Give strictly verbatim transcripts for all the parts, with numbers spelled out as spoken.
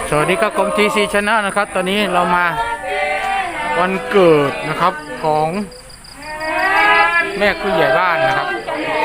สวัสดีครับกรมทีซีชนะนะครับตอนนี้เรามาวันเกิดนะครับของแม่ผู้ใหญ่บ้านนะครับขออ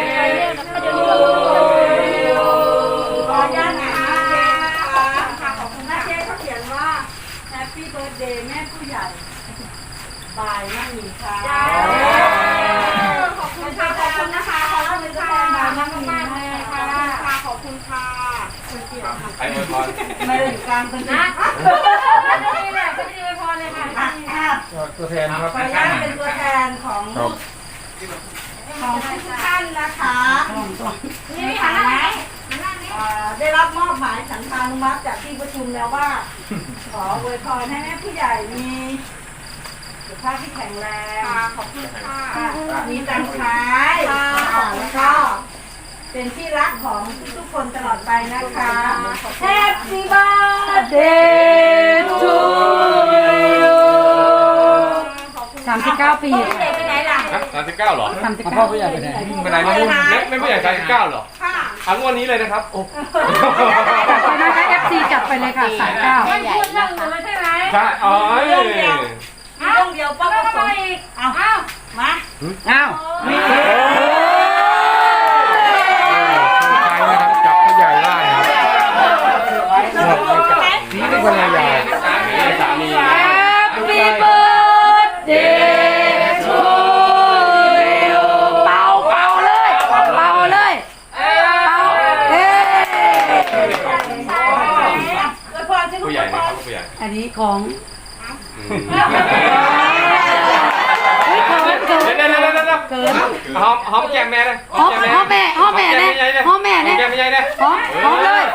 นุญาตนะคะขอบคุณแม่เจ๊เขาเขียนว่า Happy Birthday แม่ผู้ใหญ่บายแม่หญิงค่ะขอบคุณค่ะขอบคุณนะคะขอรับเป็นตัวแทนบายแม่หญิงค่ะขอบคุณค่ะไอ้อวยพรไม่ได้กลางเป็นนะนี่แหละก็ไม่ได้อวยพรเลยค่ะตัวแทนครับขออนุญาตเป็นตัวแทนของของทุกท่านนะคะนี่ค่ะได้รับมอบหมายฉันทานุมัติจากที่ประชุมแล้วว่าขออวยพรให้แม่ผู้ใหญ่มีสุขภาพที่แข็งแรงขอบคุณค่ะมีตังค์ใช้แล้วก็เป็นที่รักของทุกๆคนตลอดไปนะคะ Happy birthday to you สามสิบเก้าปีไปไหนล่ะสามสิบเก้าหรอสามสิบเก้าปีไปไหนไปไหนไม่ไม่ไม่ผู้ใหญ่สามสิบเก้าหรอค่ะทั้งวันนี้เลยนะครับโอ้จัดไปนะคะ เอฟ ซี จัดไปเลยค่ะสามเก้าไม่พูดเรื่องอื่นเลยใช่ไหมใช่อ๋อเรื่องเดียวเรื่องเดียวป้าก็ส่งเอาเอามาเอานี่นะครับจากผู้ใหญ่บ้านครับนี่เป็นภรรยาสามีสามี Happy birthday to you เป่าเป่าเลยเป่าเลยเป่าเฮ้ผู้ใหญ่นะครับผู้ใหญ่อันนี้ของเฮ้ยเกินเกินเกินเกินหอมหอมแก้มแม่เลยหอมหอมแม่หอมแม่เนี่ยหอมแม่เนี่ยแก้มไม่ใหญ่เลยหอมหอมเลย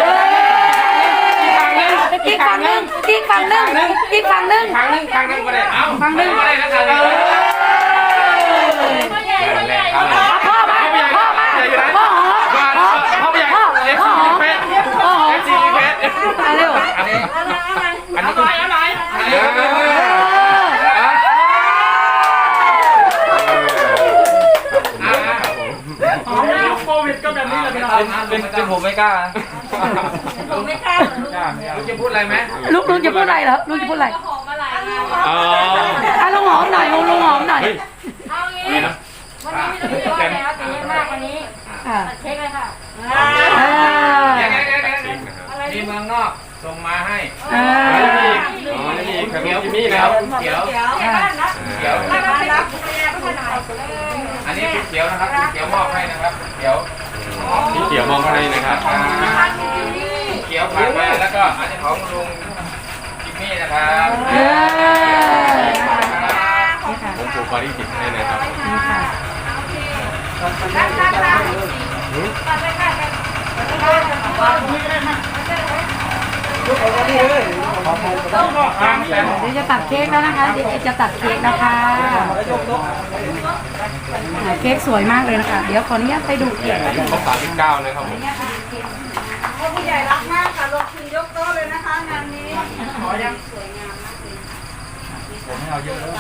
อีกฝั่งหนึ่งอีกฝั่งหนึ่งอีกฝั่งหนึ่งครั้งนึงครั้งนึงก็ได้เอ้าฝั่งหนึ่งก็ได้นะครั้งนึงพ่อมาพ่อมาพ่อหอมพ่อพ่อใหญ่เอฟซีเพชรเอฟซีเพชรเร็วอันนี้อันนี้อะไรอะไรโควิดก็แบบนี้เลยเป็นเป็นผมไม่กล้าผมไม่กล้าลูกจะพูดอะไรไหมลูกลุงจะพูดอะไรเหรอลุงจะพูดอะไรหอมอะไรอ๋ออ่ะลุงหอมหน่อยลุงลุงหอมหน่อยเอางี้วันนี้ไม่ต้องพูดอะไรแล้วตีมากวันนี้ตัดเค้กเลยค่ะมีเมืองนอกส่งมาให้อ๋อนี่อ๋อนี่ขนมจิมมี่นะครับเขียวเขียวอันนี้เขียวนะครับเขียวมอบให้นะครับเขียวนี่เขียวมองให้นะครับเขียวผ่านมาแล้วก็อันนี้ของลุงจิมมี่นะครับผมปลูกบาริติดให้นะครับนี่ค่ะเดี๋ยวจะตัดเค้กแล้วนะคะเดี๋ยวจะตัดเค้กนะคะเค้กสวยมากเลยนะคะเดี๋ยวขออนุญาตไปดูเค้กอายุครบสามสิบเก้านะครับผมผู้ใหญ่รักมากค่ะลงทุนยกโต๊ะเลยนะคะงานนี้ขอยังสวยงามมากเลยผมไม่เอาเยอะแล้ว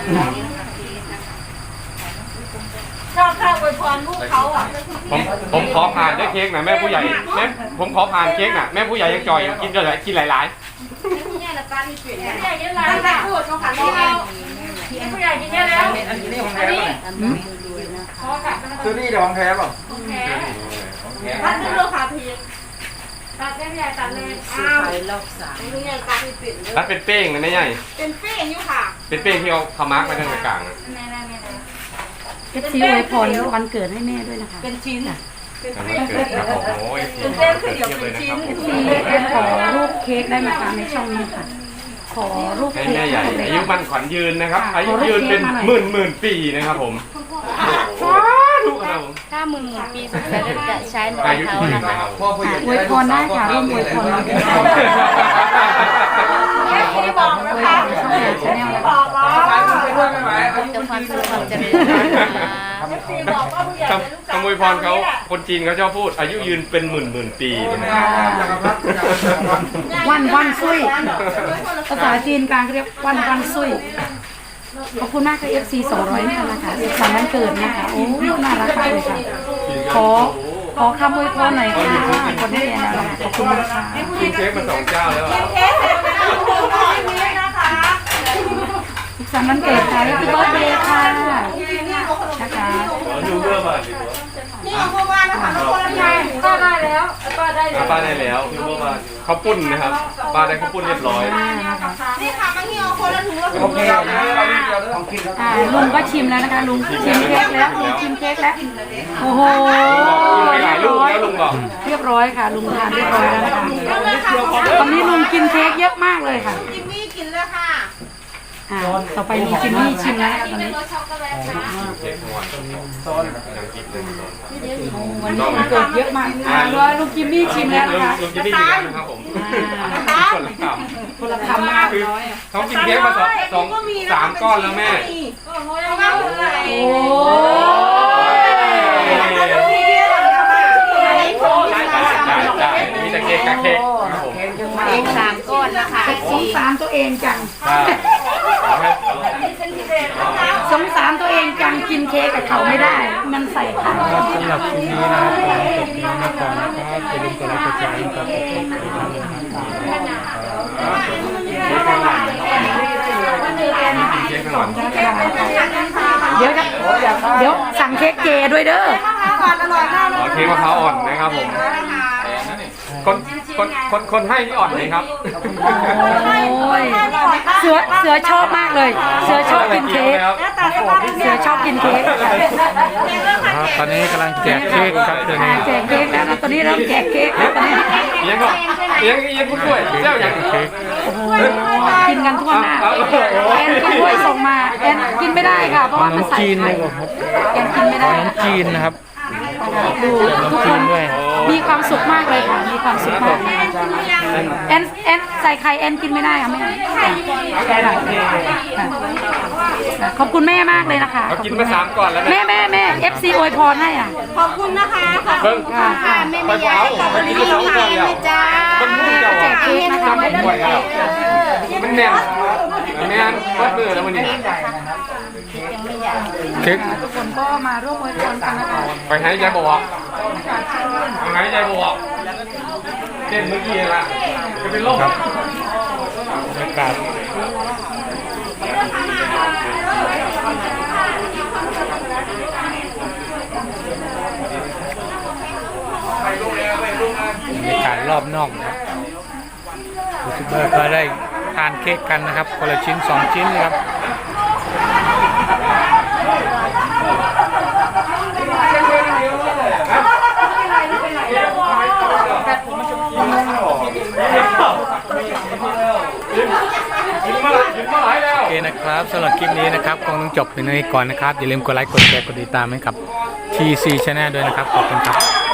ชอบข้าวอวยพรลูกเขาอ่ะผมผมขอผ่านด้วยเค้กหน่อยแม่ผู้ใหญ่แม่ผมขอผ่านเค้กหน่อยแม่ผู้ใหญ่ยังจ่อยกินก็เลยกินหลายๆผู้ใหญ่ละตาที่เปลี่ยนผู้ใหญ่กินหลายๆพูดเขาขันที่เอาผู้ใหญ่กินเยอะแล้วอันนี้ของแท้ป่ะขอค่ะซื้อนี่เดี๋ยวของแท้ป่ะของแท้ท่านซื้อโลคาพีตัดได้ผู้ใหญ่ตัดเลยอ้าวผู้ใหญ่ตัดที่เปลี่ยนเลยตัดเป็นเป้งนะแม่ใหญ่เป็นเป้งอยู่ค่ะเป็นเป้งที่เอาขมักมาทางกลางเอฟซีอวยพรวันเกิดให้แม่ด้วยนะคะเป็นชิ้นเป็นเป้งครับโอ้ยเป็นเป้งคือเดี๋ยวเป็นชิ้นเอฟซีขอรูปเค้กได้ไหมคะในช่องนี้ค่ะขอรูปเค้กแม่ใหญ่อายุมันขวัญยืนนะครับอายุยืนเป็นหมื่นหมื่นปีนะครับผมถ้าหมื่นหมื่นปีสุดท้ายจะใช้ในเขานะคะอวยพรได้ค่ะร่วมอวยพรได้ที่บอกนะคะที่บอกว่าจะฟังคือความเจริญที่บอกว่าผู้ใหญ่เป็นลูกสาวขโมยพรเขาคนจีนเขาชอบพูดอายุยืนเป็นหมื่นหมื่นปีวันวันซุยภาษาจีนกลางเรียกวันวันซุยขอบคุณมากค่ะ เอฟ ซี สองร้อยนะคะสุขสันต์วันเกิดนะคะโอ้น่ารักมากเลยค่ะขออขอคำอวยพรหน่อยค่ะคนที่เรียนแล้วขอบคุณนะคะกินเค้กมาสองเจ้าแล้วอะเค้กเสร็จแล้วคุณพ่อให้เลี้ยงนะคะสุขสันต์วันเกิดค่ะที่เบิร์ดเดย์ค่ะนะคะดูเรื่องมาดินี่ของพ่อบ้านนะคะน้องคนละยายก็ได้แล้วก็ได้แล้วป้าได้แล้วดูเรื่องมาข้าวปุ้นนะครับป้าได้ข้าวปุ้นเรียบร้อยนี่ค่ะมาที่เอาคนละถุงละถุโอง เคนะของกินอ่าลุงก็ชิมแล้วนะคะลุงชิมเค้กแล้วลุงชิมเค้กแล้วโอ้โหกินไปหลายเรียบลูกร้อยแล้วลุงบอกเรียบร้อยค่ะลุงทานเรียบร้อยแล้วนะคะตอนนี้ลุงกินเค้กเยอะมากเลยค่ะจิมมี่กินเลยค่ะอ่าต่อไปลุงจิมมี่ชิมแล้วนะคะตอนนี้รสช็อกโกแลตค่ะเค้กทั้งวันซ้อนยังกินเลยวันนี้วันเกิดเยอะมากอ่าร้อยลุงจิมมี่ชิมแล้วนะคะลุงจะได้ดีแล้วนะครับผมคนละคำคนละคำมากคือเขากินเค้กมาสองสองสามก้อนแล้วแม่โอ้ใช่มีแต่เค้กกับเค้กครับผมเองสามก้อนนะคะสงสารตัวเองจังใช่สงสารตัวเองจังกินเค้กกับเขาไม่ได้ มันใส่ไข่ครับสำหรับคลิปนี้นะครับขอจบเพียงนี้ก่อนนะครับอย่าลืมกดไลค์กดแชร์กดติดตามให้ทางเลยนะครับเค้กทั้งวันเดี๋ยวจะเดี๋ยวสั่งเค้กเจด้วยเด้ออ๋อเค้กมะพร้าวอ่อนนะครับผมคนคนคนคนให้นี่อ่อนเลยครับโอ้ยเสือเสือชอบมากเลย เสือชอบกินเค้กเสือชอบกินเค้กครับตอนนี้กำลังแจกเค้กครับตอนนี้แจกเค้กแล้วนะตอนนี้เริ่มแจกเค้กแล้วตอนนี้เลี้ยงก่อนเลี้ยงเลี้ยงผู้ช่วยเจ้าอย่างเค้กกินกันทั่วหน้าแอนกินด้วยส่งมาแอนกินไม่ได้ค่ะ เพราะขว่านมันมใส่จีนไข่เลยครับแอนกินไม่ได้ขนมจีนนะครับดูทุกคนด้วยมีความสุขมากเลยค่ะ มีความสุขมากแอนแอนใส่ไข่แอนกินไม่ได้ค่ะแม่แอนขอบคุณแม่มากเลยนะคะเขากินมาสามก่อนแล้วแม่นะแม่แม่เอฟซีอวยพรให้อ่ะขอบคุณนะคะขอบเบิ้งค่ะค่ะไปเผาไปกินสองก่อนแล้วมันมุ่งเจ้าแจกเค้กนะคะไม่ไหวแล้วมันแน่นมันแน่นวัดมือแล้วมันนี่เค้กทุกคนก็มาร่วมอวยพรกันนะคะไปให้ยายบอกไปให้ยายบอกเต้นเมื่อกี้ละจะเป็นโรคบรรยากาศไปลูกเลยไปลูกเลยบรรยากาศรอบนอกนะครับยูทูบเบอร์ก็ได้ทานเค้กกันนะครับคนละชิ้นสองชิ้นนะครับ โอเคนะครับสำหรับคลิปนี้นะครับคงต้องจบเป็นนี้ก่อนนะครับ อย่าลืมกดไลค์กดแชร์กดติดตามให้กับ ที ซี Channel ด้วยนะครับ ขอบคุณครับ